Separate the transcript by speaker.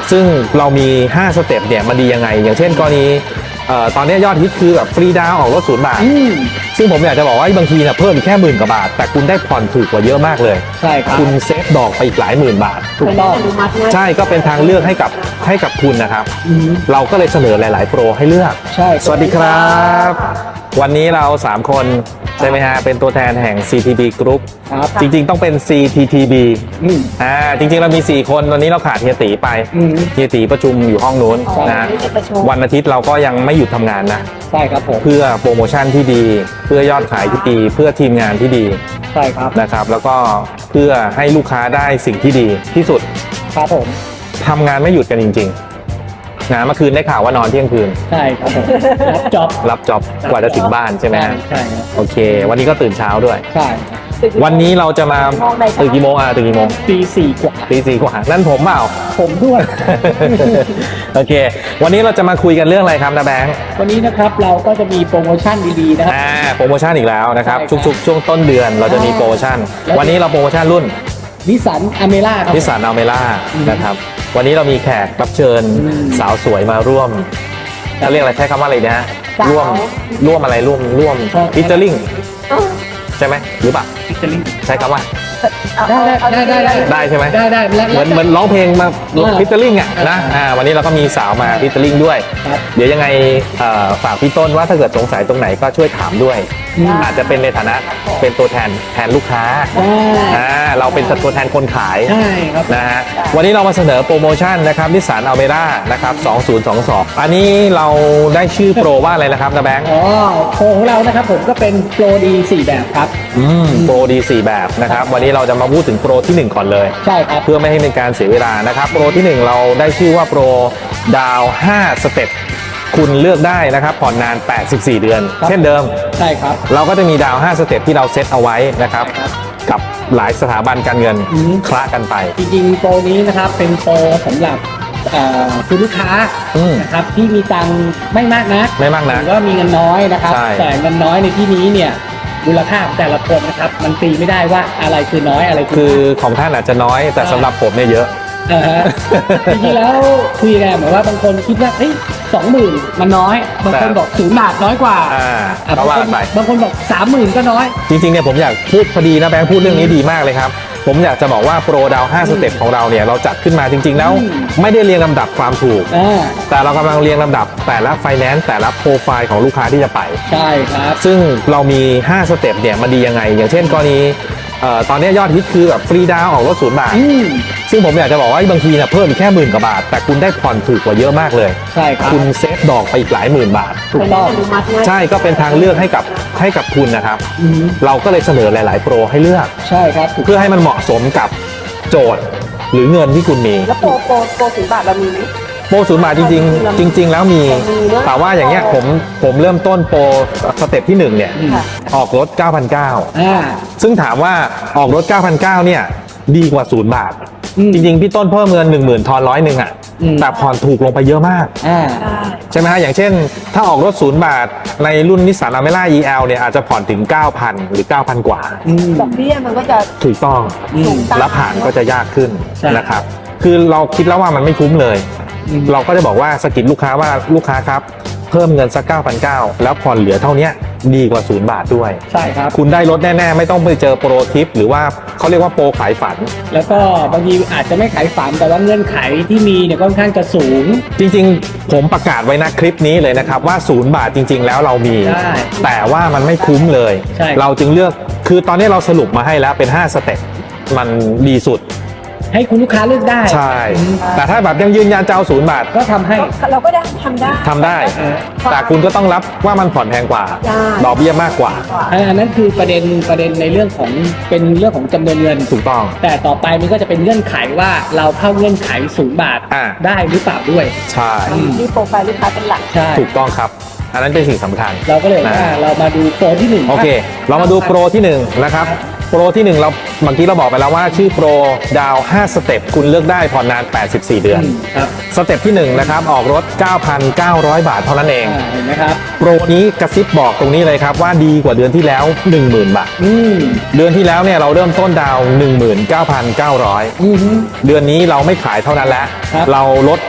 Speaker 1: ซึ่งเรามี5สเต็ปเนี่ยมันดียังไงอย่างเช่นกรณีตอนนี้ยอดฮิตคือแบบฟรีดาวน์ออกรถ0 บาทซึ่งผมอยากจะบอกว่าบางทีเนี่ยเพิ่มอีกแค่10,000 กว่าบาทแต่คุณได้ผ่อนถูกกว่าเยอะมากเลย
Speaker 2: ใช่ครับ
Speaker 1: คุณเซฟดอกไปอีกหลายหมื่นบาท
Speaker 2: ถูกต้อง
Speaker 1: ใช่ก็เป็นทางเลือกให้กับคุณนะครับเราก็เลยเสนอหลายๆโปรให้เลือก
Speaker 2: ใช่
Speaker 1: สวัสดีครับวันนี้เรา3คนใช่ไหมฮะเป็นตัวแทนแห่ง CTB Group จริงๆต้องเป็น CTTB จริงๆเรามี4คนวันนี้เราขาดเฮียตีไปเฮียตีประชุมอยู่ห้องนู้นนะวันอาทิตย์เราก็ยังไม่หยุดทำงานนะ
Speaker 2: ใช่ครับผม
Speaker 1: เพื่อโปรโมชั่นที่ดีเพื่อยอดขายที่ดีเพื่อทีมงานที่ดี
Speaker 2: ใช่ครับ
Speaker 1: นะครับแล้วก็เพื่อให้ลูกค้าได้สิ่งที่ดีที่สุด
Speaker 2: ครับผม
Speaker 1: ทำงานไม่หยุดกันจริงๆนะเมื่อคืนได้ข่าวว่านอนเที่ยงคืน
Speaker 2: ใช่ครับผมรับจ็
Speaker 1: อบกว่าจะถึงบ้านใช่ไหม
Speaker 2: ใช่ครับ
Speaker 1: โอเควันนี้ก็ตื่นเช้าด้วย
Speaker 2: ใช่
Speaker 1: วันนี้เราจะมาตื่นกี่โมงตื่นกี่โมง
Speaker 2: ตี 4 กว่า
Speaker 1: ตี 4 กว่านั่นผมเปล่า
Speaker 2: ผมด้วย
Speaker 1: โอเควันนี้เราจะมาคุยกันเรื่องอะไรครับนะแบงค์
Speaker 2: วันนี้นะครับเราก็จะมีโปรโมชั่นดีๆนะครับ
Speaker 1: โปรโมชั่นอีกแล้วนะครับทุกๆช่วงต้นเดือนเราจะมีโปรโมชั่นวันนี้เราโปรโมชั่นรุ่น
Speaker 2: นิสสันอเมร่าครับ
Speaker 1: นิสสันอเมร่านะครับวันนี้เรามีแขกรับเชิญสาวสวยมาร่วมจะเรียกอะไรใช้คำว่าอะไรนะฮะร่วมอะไรร่วมฟิชเจอริ่งใช่ไหมหรือเปล่าใช้คำว่าได้ใช่ไหม
Speaker 2: ได้
Speaker 1: เหมือนร้องเพลงมาฟิชเจอริ่งนะวันนี้เราก็มีสาวมาฟิชเจอริ่งด้วยเดี๋ยวยังไงฝากพี่ต้นว่าถ้าเกิดสงสัยตรงไหนก็ช่วยถามด้วยอาจจะเป็นในฐานะเป็นตัวแทนลูกค้าเราเป็นตัวแทนคนขายนะฮะวันนี้เรามาเสนอโปรโมชั่นนะครับนิสสันอัลเมร่านะครับ2022อันนี้เราได้ชื่อโปรว่าอะไรนะครับนะแบงค์
Speaker 2: โปรของเรานะครับผมก็เป็นโปรดี4แบบครับ
Speaker 1: โปรดี4แบบนะครับวันนี้เราจะมาพูดถึงโปรที่1ก่อนเลย
Speaker 2: ใช่ครับ
Speaker 1: เพื่อไม่ให้เป็นการเสียเวลานะครับโปรที่1เราได้ชื่อว่าโปรดาว5สเต็ปคุณเลือกได้นะครับผ่อนนาน84เดือนเช่นเดิม
Speaker 2: ใช่ครับ
Speaker 1: เราก็จะมีดาว5สเต็ปที่เราเซตเอาไว้นะครับกับหลายสถาบันการเงินคละกันไป
Speaker 2: จริงๆโปรนี้นะครับเป็นโปรสำหรับคุณลูกค้านะครับที่มีตังค์ไม่มากนะหรือว่ามีเงินน้อยนะครับแต่เงินน้อยในที่นี้เนี่ยมูลค่าแต่ละคนนะครับมันตีไม่ได้ว่าอะไรคือน้อยอะไร
Speaker 1: คือของท่านอาจจะน้อยแต่สำหรับผมเนี่ยเยอะ
Speaker 2: จริงๆแล้วคุยกันเหมือนว่าบางคนคิดว่า20,000มันน้อยบางคนบอก0 บาทน้อยกว่าบางคนบอก30,000ก็น้อย
Speaker 1: จริงๆเนี่ยผมอยากพูดพอดีนะแบงค์พูดเรื่องนี้ดีมากเลยครับผมอยากจะบอกว่าโปรดาว5สเต็ปของเราเนี่ยเราจัดขึ้นมาจริงๆแล้วไม่ได้เรียงลำดับความถูกแต่เรากำลังเรียงลำดับแต่ละไฟแนนซ์แต่ละโปรไฟล์ของลูกค้าที่จะไป
Speaker 2: ใช่ครับ
Speaker 1: ซึ่งเรามี5สเต็ปเนี่ยมันดียังไงอย่างเช่นกรณีตอนนี้ยอดฮิตคือแบบฟรีดาวน์ออกรถ0 บาทซึ่งผมอยากจะบอกว่าบางทีเนี่ยเพิ่มอีกแค่10,000 กว่าบาทแต่คุณได้ผ่อนถูกกว่าเยอะมากเลย
Speaker 2: ใช่ครับ
Speaker 1: คุณเซฟดอกไปอีกหลายหมื่นบาท
Speaker 2: ถูกต้อง
Speaker 1: ใช่ก็เป็นทางเลือกให้กับคุณนะครับเราก็เลยเสนอหลายๆโปรให้เลือก
Speaker 2: ใช่ครับ
Speaker 1: เพื่อให้มันเหมาะสมกับโจทย์หรือเงินที่คุณมี
Speaker 3: แล้วโปร0 บาทเรามีไหม
Speaker 1: โปร0 บาทจริงแล้วมีแต่ว่าอย่างเงี้ยผมเริ่มต้นโปรสเต็ปที่1เนี่ยออกรถ 9,900 ซึ่งถามว่าออกรถ 9,900 เนี่ยดีกว่า0 บาทจริงๆพี่ต้นเพิ่มเงิน 10,000 ทอน100แต่ผ่อนถูกลงไปเยอะมากใช่ไหมฮะอย่างเช่นถ้าออกรถ0 บาทในรุ่นนิสสันอเมร่า EL เนี่ยอาจจะผ่อนถึง 9,000 หรือ 9,000 กว่า
Speaker 3: ดอกเบี้ยมันก็จะ
Speaker 1: ถูกต้องและผ่านก็จะยากขึ้นนะครับคือเราคิดแล้วว่ามันไม่คุ้มเลยเราก็จะบอกว่าสกิดลูกค้าว่าลูกค้าครับเพิ่มเงินสัก 9,900 แล้วผ่อนเหลือเท่านี้ดีกว่า0 บาทด้วย
Speaker 2: ใช่ครับ
Speaker 1: คุณได้ลดแน่ๆไม่ต้องไปเจอโปรทิปหรือว่าเขาเรียกว่าโปรขายฝัน
Speaker 2: แล้วก็บางทีอาจจะไม่ขายฝันแต่ว่าเงื่อนไขที่มีเนี่ยค่อนข้างจะสูง
Speaker 1: จริงๆผมประกาศไว้นะคลิปนี้เลยนะครับว่า0 บาทจริงๆแล้วเรามีแต่ว่ามันไม่คุ้มเลยเราจึงเลือกคือตอนนี้เราสรุปมาให้แล้วเป็น5สเต็ปมันดีสุด
Speaker 2: ให้คุณลูกค้าเลือกได้
Speaker 1: ใช่แต่ถ้าแบบยังยืนยันจะเอา0 บาท
Speaker 2: ก็ทำให้
Speaker 3: เราก็ได้ทำได้
Speaker 1: แต่คุณก็ต้องรับว่ามันผ่อนแพงกว่าดอกเบี้ยมากกว่า
Speaker 2: อันนั้นคือประเด็นในเรื่องของเป็นเรื่องของจำนวนเงิน
Speaker 1: ถูกต้อง
Speaker 2: แต่ต่อไปมันก็จะเป็นเงื่อนไขว่าเราเข้าเงื่อนไข0 บาทได้หรือเปล่าด้วย
Speaker 1: ใช่
Speaker 3: นี่โปรไฟล์ลูกค้าเป็นหลัก
Speaker 2: ใช่
Speaker 1: ถูกต้องครับอันนั้นเป็นสิ่งสำคัญ
Speaker 2: เราก็เลยว่าเรามาดูโปรที่1
Speaker 1: โอเคเรามาดูโปรที่1นะครับโปรที่ 1เราเมื่อกี้เราบอกไปแล้วว่าชื่อโปรดาว5สเต็ปคุณเลือกได้ผ่อนนาน84 เดือน
Speaker 2: ครับ
Speaker 1: สเต็ปที่1นะครับออกรถ 9,900 บาทเท่านั้นเอง
Speaker 2: เห็นไหมครับ
Speaker 1: โปรนี้กระซิบบอกตรงนี้เลยครับว่าดีกว่าเดือนที่แล้ว 10,000 บาท เดือนที่แล้วเนี่ยเราเริ่มต้นดาว 19,900 เดือนนี้เราไม่ขายเท่านั้นแล้ว
Speaker 2: ครับ
Speaker 1: เราลด